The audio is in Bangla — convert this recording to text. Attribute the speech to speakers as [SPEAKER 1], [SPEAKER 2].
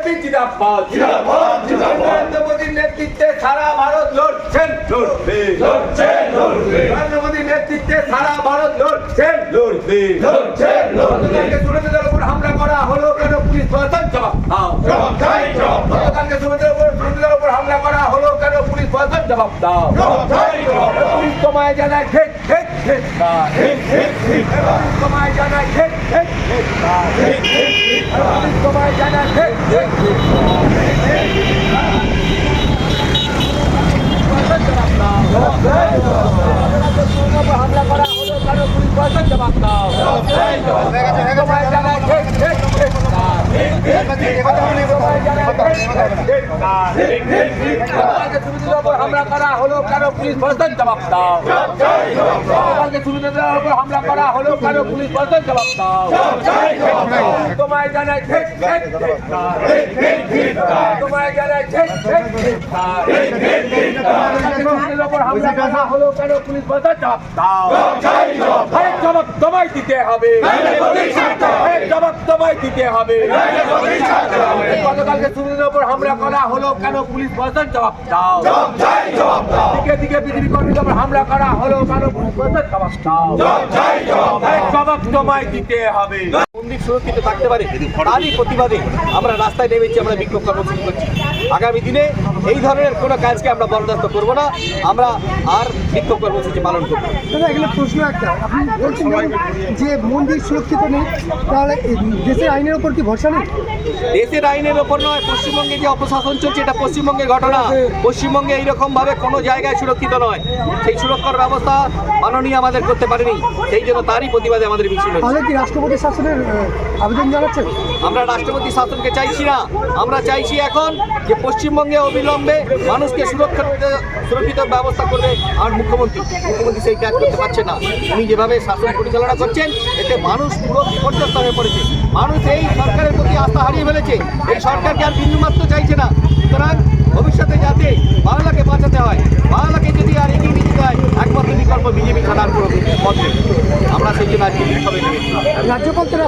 [SPEAKER 1] বিজেপি জিন্দাবাদ নরেন্দ্র মোদীর নেতৃত্বে সারা ভারত লড়ছেন লড়বে নরেন্দ্র মোদীর নেতৃত্বে সারা ভারত লড়ছেন লড়বে গতকালকে সুরেন্দ্রের উপর হামলা করা হলো কেন পুলিশ প্রশাসন জবাব দাও গতকালকে সুরেন্দ্রের উপর হামলা করা হলো কেন পুলিশ প্রশাসন জবাব দাও পুলিশ তোমায় জানায় ঠিক ঠিক ঠিক পুলিশ তোমায় জানায় ঠিক ঠিক ঠিক পুলিশ তোমায় জানায় ঠিক ঠিক ঠিক হামলা করা হলো কেন পুলিশ প্রশাসন জবাব দাও তোমায় জানায় ঠিক ঠিক ঠিক হামলা করা হলো কেন পুলিশ প্রশাসন জবাব দাও হামলা করা হলো কেন পুলিশ প্রশাসন জবাব দাও তোমায় জানাই ঠিক তোমায় জানাই ঠিক হামলা করা হলো কেন পুলিশ প্রশাসন জবাব দাও জবাব তোমায় দিতে হবে জবাব তোমায় দিতে হবে গতকালকে সুরেন্দ্রের উপর হামলা করা হলো কেন পুলিশ প্রশাসন জবাব দাও দিকে দিকে বিজেপি কর্মীদের উপর হামলা করা হলো কেন পুলিশ প্রশাসন জবাব দাও জবাব তোমায় দিতে হবে।
[SPEAKER 2] মন্দির সুরক্ষিত থাকতে পারে তারই প্রতিবাদে আমরা রাস্তায় নেমেছি, আমরা বিক্ষোভ কর্মসূচি করছি। আগামী দিনে এই ধরনের কোনো কাজকে আমরা বরদাস্ত করব না, আমরা আর বিক্ষোভ কর্মসূচি পালন করব।
[SPEAKER 3] দাদা এগুলো প্রশ্ন একটা, আপনি বলছেন যে মন্দির সুরক্ষিত নেই, তাহলে দেশের আইনের ওপর কি ভরসা নেই?
[SPEAKER 2] দেশের আইনের ওপর নয়, পশ্চিমবঙ্গে যে অপশাসন চলছে এটা পশ্চিমবঙ্গের ঘটনা। পশ্চিমবঙ্গে এইরকমভাবে কোনো জায়গায় সুরক্ষিত নয়, সেই সুরক্ষার ব্যবস্থা মাননীয় আমাদের করতে পারেনি, সেই জন্য তারই প্রতিবাদে আমাদের মিছিল হচ্ছে।
[SPEAKER 3] তাহলে কি রাষ্ট্রপতি শাসনের আবেদন জানাচ্ছেন?
[SPEAKER 2] আমরা রাষ্ট্রপতি শাসনকে চাইছি না, আমরা চাইছি এখন যে পশ্চিমবঙ্গে অবিলম্বে মানুষকে সুরক্ষিত ব্যবস্থা করবে আর মুখ্যমন্ত্রী সেই কাজ করতে পারছে না। উনি যেভাবে শাসন পরিচালনা করছেন এতে মানুষ পুরো বিপর্যস্ত হয়ে পড়েছে। মানুষ এই সরকারের প্রতি আস্থা হারিয়ে ফেলেছে, এই সরকারকে আর বিন্দুমাত্র চাইছে না। সুতরাং ভবিষ্যতে যাতে বাংলাকে বাঁচাতে হয়, বাংলাকে যদি আর এগিয়ে নিতে হয়, একমাত্র বিকল্প বিজেপি ছাড়ার কোনো পথ নেই। আমরা সেই জন্য আজকে বিক্ষোভে নেমেছি।
[SPEAKER 3] রাজ্যপাল তারা